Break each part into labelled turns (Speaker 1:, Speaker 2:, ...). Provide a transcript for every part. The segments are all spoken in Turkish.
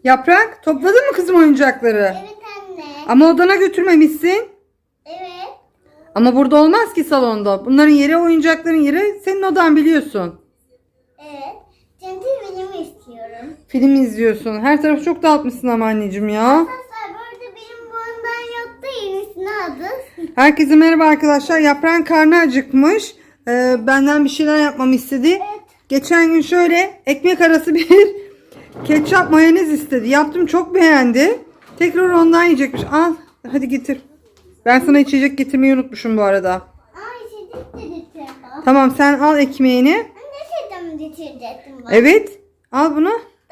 Speaker 1: Yaprak, topladın mı kızım oyuncakları?
Speaker 2: Evet anne.
Speaker 1: Ama odana götürmemişsin.
Speaker 2: Evet.
Speaker 1: Ama burada olmaz ki salonda. Bunların yeri, oyuncakların yeri senin odan, biliyorsun.
Speaker 2: Evet. Çünkü film istiyorum.
Speaker 1: Film izliyorsun. Her tarafı çok dağıtmışsın ama anneciğim ya.
Speaker 2: Arkadaşlar burada benim bundan yoktu. Yenisini aldı.
Speaker 1: Herkese merhaba arkadaşlar. Yaprağın karnı acıkmış. Benden bir şeyler yapmamı istedi.
Speaker 2: Evet.
Speaker 1: Geçen gün şöyle ekmek arası bir ketçap mayonez istedi. Yaptım, çok beğendi. Tekrar ondan yiyecekmiş. Al hadi getir. Ben sana içecek getirmeyi unutmuşum bu arada.
Speaker 2: Aa içecek de getirdim.
Speaker 1: Tamam, sen al ekmeğini.
Speaker 2: Ne şeyden getirecektim ben?
Speaker 1: Evet. Al bunu.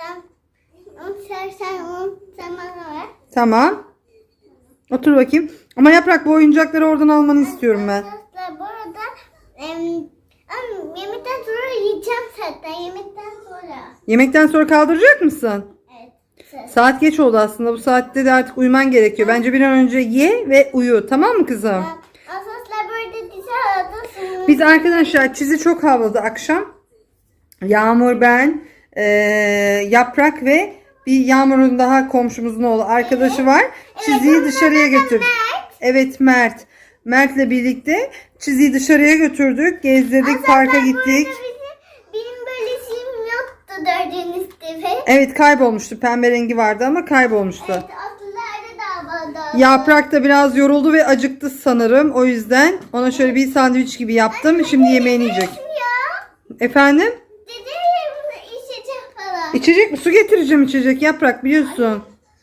Speaker 2: Sen bana ver.
Speaker 1: Tamam. Otur bakayım. Ama Yaprak, bu oyuncakları oradan almanı istiyorum ben.
Speaker 2: Arkadaşlar bu arada yemekten sonra yiyeceğim zaten. Yemekten sonra.
Speaker 1: Yemekten sonra kaldıracak mısın?
Speaker 2: Evet.
Speaker 1: Saat geç oldu aslında. Bu saatte de artık uyuman gerekiyor. Bence bir an önce ye ve uyu. Tamam mı kızım?
Speaker 2: Arkadaşlar böyle dışarıda
Speaker 1: Biz arkadaşlar Çizi çok havladı akşam. Yağmur, ben, Yaprak ve bir Yağmur'un daha komşumuzun oğlu arkadaşı var. Çizi'yi dışarıya götürdük. Evet, Mert. Mert'le birlikte Çizi'yi dışarıya götürdük. Gezdirdik, parka gittik.
Speaker 2: Benim böyle şeyim yoktu gördüğünüz gibi.
Speaker 1: Evet, kaybolmuştu. Pembe rengi vardı ama kaybolmuştu.
Speaker 2: Evet atlılarda da vardı.
Speaker 1: Yaprak da biraz yoruldu ve acıktı sanırım. O yüzden ona şöyle bir sandviç gibi yaptım. Şimdi yemeğini yiyecek.
Speaker 2: Ya.
Speaker 1: Efendim?
Speaker 2: Dede içecek falan.
Speaker 1: İçecek mi? Su getireceğim, içecek. Yaprak, biliyorsun.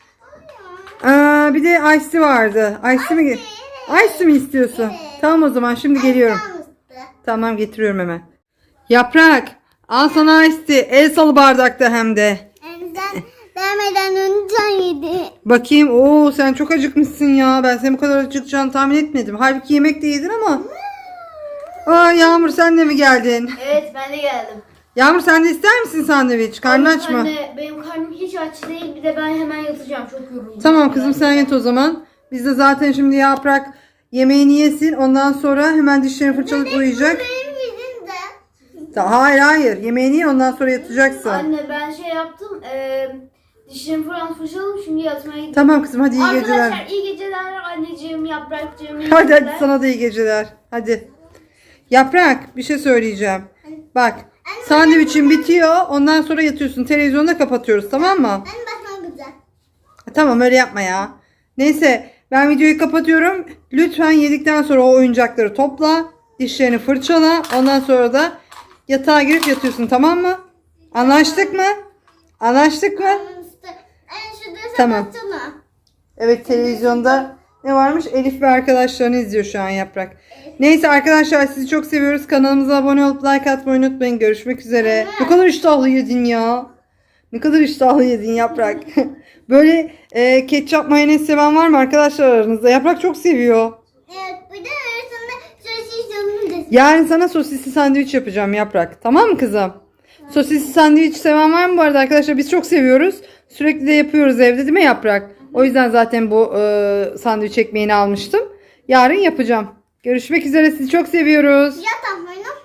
Speaker 1: Bir de ice vardı. Ice mi? Ice mi istiyorsun?
Speaker 2: Evet.
Speaker 1: Tamam, o zaman şimdi geliyorum. Tamam, getiriyorum hemen. Yaprak, al sana ice tea. El salı bardakta hem de.
Speaker 2: Sen demeden önce yedi.
Speaker 1: Bakayım. Oo, sen çok acıkmışsın ya. Ben senin bu kadar acıkacağını tahmin etmedim. Halbuki yemek de yedin ama. Aa, Yağmur, sen de mi geldin?
Speaker 3: Evet, ben de geldim.
Speaker 1: Yağmur, sen de ister misin sandviç? Karnın aç mı?
Speaker 3: Anne, benim karnım hiç aç değil. Bir de ben hemen yatacağım. Çok yoruldum.
Speaker 1: Tamam kızım, sen yat o zaman. Biz de zaten şimdi Yaprak yemeğini yesin. Ondan sonra hemen dişlerini fırçalayıp uyuyacak.
Speaker 2: Benim yüzümde.
Speaker 1: Hayır. Yemeğini ye, ondan sonra yatacaksın.
Speaker 3: Anne, ben şey yaptım. Dişlerimi falan fırçaladım. Şimdi yatmaya gidiyorum.
Speaker 1: Tamam kızım, hadi iyi geceler.
Speaker 3: Arkadaşlar iyi geceler anneciğim, Yaprakcığım. iyi
Speaker 1: Hadi
Speaker 3: geceler.
Speaker 1: sana da iyi geceler. Hadi. Yaprak, bir şey söyleyeceğim. Bak, sandviçin bitiyor. Ondan sonra yatıyorsun. Televizyonu da kapatıyoruz, tamam mı?
Speaker 2: Ben bakmam güzel.
Speaker 1: Tamam, öyle yapma ya. Neyse, ben videoyu kapatıyorum. Lütfen yedikten sonra o oyuncakları topla. Dişlerini fırçala. Ondan sonra da yatağa girip yatıyorsun, tamam mı? Anlaştık mı? Anlaştık mı?
Speaker 2: Şurada
Speaker 1: Tamam.
Speaker 2: kapatsana.
Speaker 1: Evet, televizyonda ne varmış? Elif ve arkadaşlarını izliyor şu an Yaprak. Neyse arkadaşlar, sizi çok seviyoruz. Kanalımıza abone olup like atmayı unutmayın. Görüşmek üzere. Ne kadar iştahlı yedin ya. Ne kadar iştahlı yedin Yaprak. Böyle ketçap mayonez seven var mı arkadaşlar aranızda? Yaprak çok seviyor.
Speaker 2: Evet bir de arasında sosis yanını da.
Speaker 1: Yarın sana sosisli sandviç yapacağım Yaprak. Tamam mı kızım? Sosisli sandviç seven var mı bu arada arkadaşlar? Biz çok seviyoruz. Sürekli de yapıyoruz evde, değil mi Yaprak? O yüzden zaten bu sandviç ekmeğini almıştım. Yarın yapacağım. Görüşmek üzere. Sizi çok seviyoruz.
Speaker 2: Yat atmayın.